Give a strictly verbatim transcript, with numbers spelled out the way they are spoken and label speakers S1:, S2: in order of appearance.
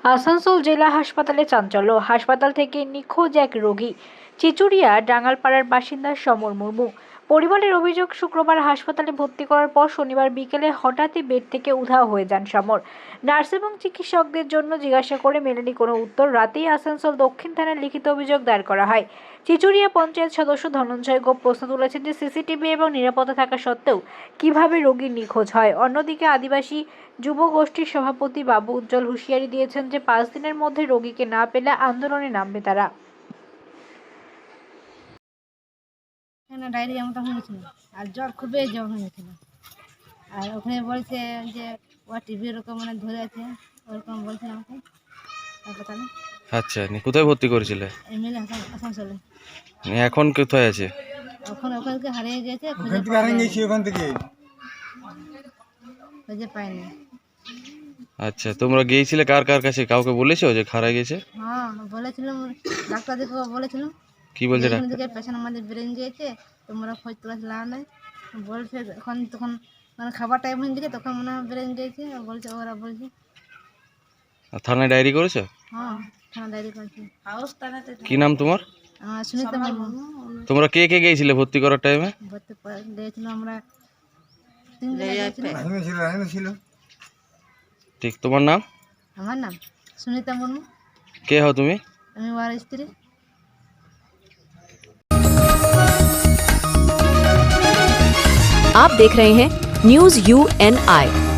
S1: আসানসোল জেলা হাসপাতালে চাঞ্চল্য। হাসপাতাল থেকে নিখোঁজ এক রোগী। চিচুড়িয়া ডাঙ্গালপাড়ার বাসিন্দা সমর মুর্মু। পরিবারের অভিযোগ, শুক্রবার হাসপাতালে ভর্তি করার পর শনিবার বিকেলে হঠাৎই বেড থেকে উধাও হয়ে যান সমর। নার্স এবং চিকিৎসকদের জন্য জিজ্ঞাসা করে মেলেনি কোনো উত্তর। রাতেই আসানসোল দক্ষিণ থানায় লিখিত অভিযোগ দায়ের করা হয়। চিচুড়িয়া পঞ্চায়েত সদস্য ধনঞ্জয় গোপ প্রশ্ন তুলেছেন যে সিসিটিভি এবং নিরাপত্তা থাকা সত্ত্বেও কিভাবে রোগী নিখোঁজ হয়। অন্যদিকে আদিবাসী যুব গোষ্ঠীর সভাপতি বাবু উজ্জ্বল হুঁশিয়ারি দিয়েছেন যে পাঁচ দিনের মধ্যে রোগীকে না পেলে আন্দোলনে নামবে তারা।
S2: ডায়রিয়া মতো হয়েছিল আর জ্বর খুবই জ্বর হয়েছিল। আর ওখানে বলছে যে ও টিভি ওরকম মানে ধরে আছে, ওরকম বলছে আমাকে হাসপাতালে।
S3: আচ্ছা, নি কোথায় ভর্তি করেছিলে?
S2: এমএলএ আসানসোলে।
S3: নি এখন কোথায় আছে?
S2: এখন ওখানকে হারিয়ে গেছে,
S4: ওখান থেকে হারিয়ে গেছি ওখান থেকে
S2: খুঁজে পাইনি।
S3: আচ্ছা, তোমরা গিয়েছিলে কার কার কাছে? কাউকে বলেছো যে হারিয়ে গেছে?
S2: হ্যাঁ বলেছিলাম, ডাক্তার দেখে বলেছিলাম।
S3: কি বলছে
S2: এখান
S3: ডাক্তার?
S2: থেকে পেশেন্ট আমাদের ব্রেন গিয়েছে, তোমরা খোঁজ তোলা লাভ নাই বলছে। এখন তখন মানে খাবার টাইম হয়ে গেছে, তখন মনে হয় ব্রেন গিয়েছে বলছে, ওরা বলছে।
S3: আর থানায় ডায়েরি করেছো?
S2: হ্যাঁ থানা ডায়েরি করছে।
S3: কি নাম তোমার?
S2: আমার সুনিতা মুর্মু।
S3: তোমরা কে কে গিয়েছিলে ভর্তি করার টাইমে?
S2: ভর্তি গিয়েছিলাম আমরা তিনজনে গিয়েছিলাম।
S4: রাহিমা ছিল রাহিমা ছিল
S3: ঠিক, তোমার নাম?
S2: আমার নাম সুনিতা মুর্মু।
S3: কে হও তুমি?
S2: আমি ওর স্ত্রী।
S5: आप देख रहे हैं न्यूज यू एन आई।